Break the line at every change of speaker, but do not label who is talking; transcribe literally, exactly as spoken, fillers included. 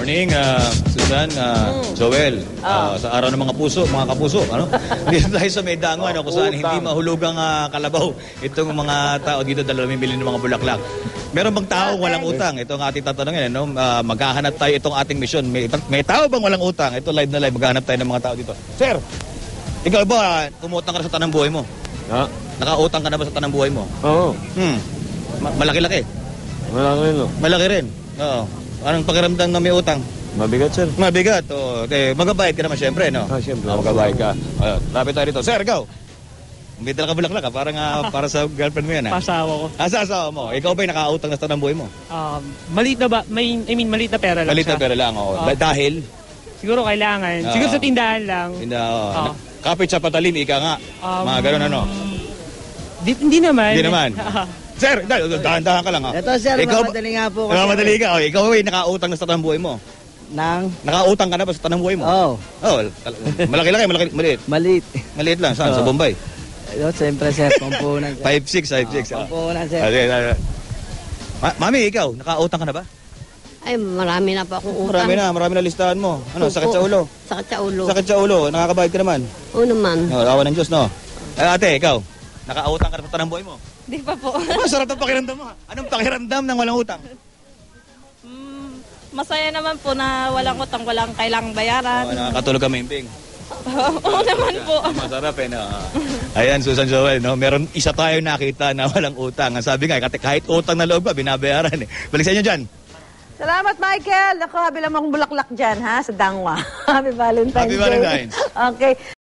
Morning, uh, Susan, uh,
Mm.
Joel. Uh,
Ah.
sa araw ng mga puso, mga kapuso, ano? Dito tayo sa may dango, ano, kung saan hindi mahulugang uh, kalabaw itong mga tao dito dahil namimili ng mga bulaklak. Meron bang tao walang utang? Ito ang ating tatanungin, ano? Uh, maghahanap tayo itong ating misyon. May, may tao bang walang utang? Ito live na live, maghahanap tayo ng mga tao dito. Sir, ikaw ba, umutang ka na sa tanang buhay mo?
Ha?
Nakautang ka na ba sa tanang buhay mo?
Oo.
Hmm. Ma- malaki-laki.
Wala ko yun, no?
Malaki rin. Oo. Anong pakiramdam na may utang?
Mabigat, sir.
Mabigat. Oh, okay. Magabayad ka naman siyempre, no?
Ah, siyempre.
Ah, magabayad ka. Ayun, lapit tayo dito. Sir, ikaw. May dala ka bulaklak, ha? Parang ah, para sa girlfriend mo yan, ha?
Pasawa ko.
Ah, sa asawa mo. Ikaw ba'y nakautang na sa tanang buhay mo?
Um, maliit na ba? May, I mean, maliit na pera lang
Balit na
siya.
pera lang, oh.
Ah.
Dahil?
Siguro kailangan.
Ah.
Siguro sa tindahan lang.
Hindi, oh.
Ah.
Kapit sa patalim, ika nga.
Um,
Mga ganun, ano?
Di, hindi naman.
Hindi naman. Sir, da- dahan-dahan ka lang, ha?
Ito, sir,
Ikaw ba-
mamadali nga po kasi.
Mamadali ka. Oh, ikaw ba'y nakautang na sa tanang buhay mo?
Nang,
Nakautang ka na ba sa tanang buhay mo?
oh,
Oh, tal- malaki-laki, malaki, maliit.
maliit.
Maliit lang. Saan? Sa
Oo.
Bombay?
Ito, siyempre, sir, pampunan, sir.
five six, five six.
Ah, pampunan, sir.
Ah, sige, sige. Ma- Mami, ikaw, nakautang ka na ba?
Ay, marami na po akong utang.
Marami na, marami na listahan mo. Ano,
Opo.
sakit sa ulo?
Sakit sa ulo.
Sakit sa ulo, nakakabayad ka naman.
Oo naman.
No, awa ng Diyos, no? Eh, ate, ikaw, nakautang ka na sa tanang buhay mo?
Di pa po.
Aba, sarap ng pakiramdam mo, ha? Anong pakiramdam ng walang utang?
Mm, masaya naman po na walang utang, walang kailangang bayaran.
Oh, nakakatulog ka maimbing.
Oo naman po.
Masarap eh, no? Ayan, Susan Joel, no? Meron isa tayo nakita na walang utang. Ang sabi nga, kahit- kahit utang na loob ba, binabayaran eh. Balik sa inyo dyan.
Salamat, Michael. Ako, habi lang akong bulaklak dyan, ha, sa Dangwa. Happy Valentine's
Happy
Day.
Valentine's.
Okay.